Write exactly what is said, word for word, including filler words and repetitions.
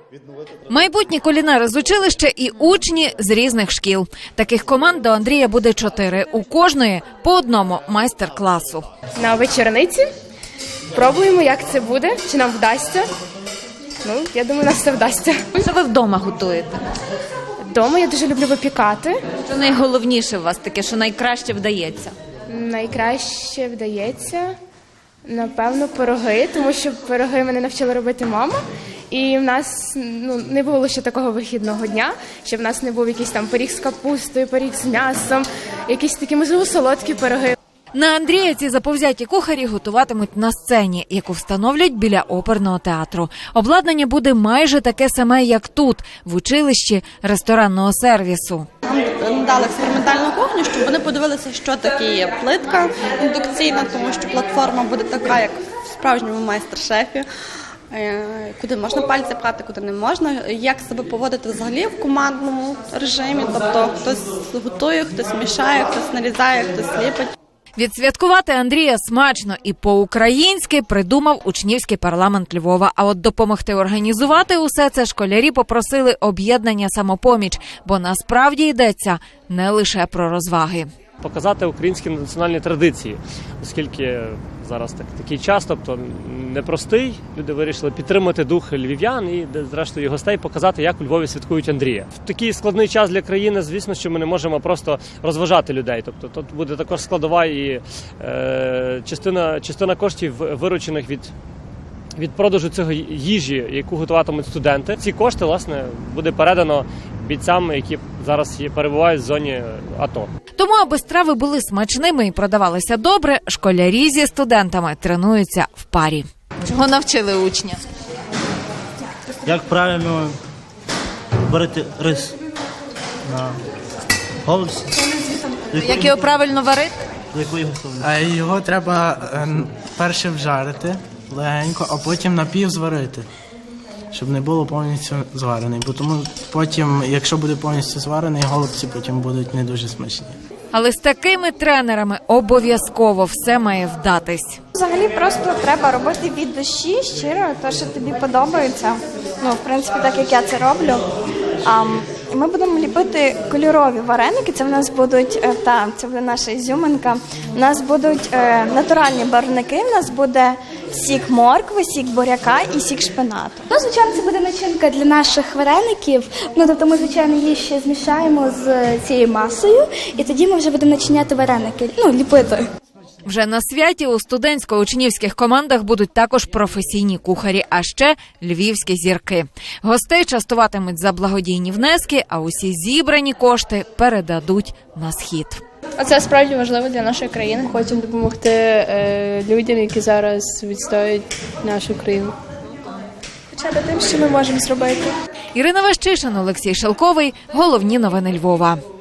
Майбутні кулінари з училища і учні з різних шкіл. Таких команд до Андрія буде чотири. У кожної по одному майстер-класу. На вечорниці пробуємо, як це буде, чи нам вдасться. Ну, я думаю, нам все вдасться. Що ви вдома готуєте? Вдома я дуже люблю випікати. Що найголовніше у вас таке, що найкраще вдається? Найкраще вдається, напевно, пироги, тому що пироги мене навчила робити мама. І в нас ну, не було ще такого вихідного дня, щоб в нас не був якийсь там пиріг з капустою, пиріг з м'ясом, якісь такі, можливо, солодкі пироги. На Андрія ці заповзяті кухарі готуватимуть на сцені, яку встановлять біля оперного театру. Обладнання буде майже таке саме, як тут, в училищі ресторанного сервісу. Нам дали експериментальну кухню, щоб вони подивилися, що таке є плитка індукційна, тому що платформа буде така, як в справжньому майстер-шефі. Куди можна пальці прати, куди не можна, як себе поводити взагалі в командному режимі, тобто хтось готує, хтось мішає, хтось нарізає, хтось ліпить. Відсвяткувати Андрія смачно і по-українськи придумав учнівський парламент Львова. А от допомогти організувати усе це школярі попросили об'єднання «Самопоміч», бо насправді йдеться не лише про розваги. Показати українські національні традиції, оскільки зараз так, такий час, тобто непростий, люди вирішили підтримати дух львів'ян і, зрештою, гостей показати, як у Львові святкують Андрія. В такий складний час для країни, звісно, що ми не можемо просто розважати людей. Тобто тут буде також складова і е, частина, частина коштів, виручених від від продажу цього їжі, яку готуватимуть студенти. Ці кошти, власне, буде передано бійцям, які зараз перебувають в зоні АТО. Тому, аби страви були смачними і продавалися добре, школярі зі студентами тренуються в парі. Чого навчили учня? Як правильно варити рис на голубці. Як його правильно варити? Його треба перше вжарити легенько, а потім напів зварити, щоб не було повністю зварений. Бо тому потім, якщо буде повністю зварений, голубці потім будуть не дуже смачні. Але з такими тренерами обов'язково все має вдатись. Взагалі просто треба робити від душі, щиро, те, що тобі подобається. Ну, в принципі, так як я це роблю. А, ми будемо ліпити кольорові вареники, це в нас будуть, та, це буде наша ізюминка. У нас будуть е, натуральні барвники, у нас буде сік моркви, сік буряка і сік шпинату. Ну, звичайно, це буде начинка для наших вареників. Ну, тобто ми, звичайно, її ще змішаємо з цією масою, і тоді ми вже будемо начиняти вареники, ну, ліпити. Вже на святі у студентсько-учнівських командах будуть також професійні кухарі, а ще львівські зірки. Гостей частуватимуть за благодійні внески, а усі зібрані кошти передадуть на схід. Це справді важливо для нашої країни. Хочемо допомогти е, людям, які зараз відстоюють нашу країну. Почати тим, що ми можемо зробити. Ірина Ващишин, Олексій Шелковий. Головні новини Львова.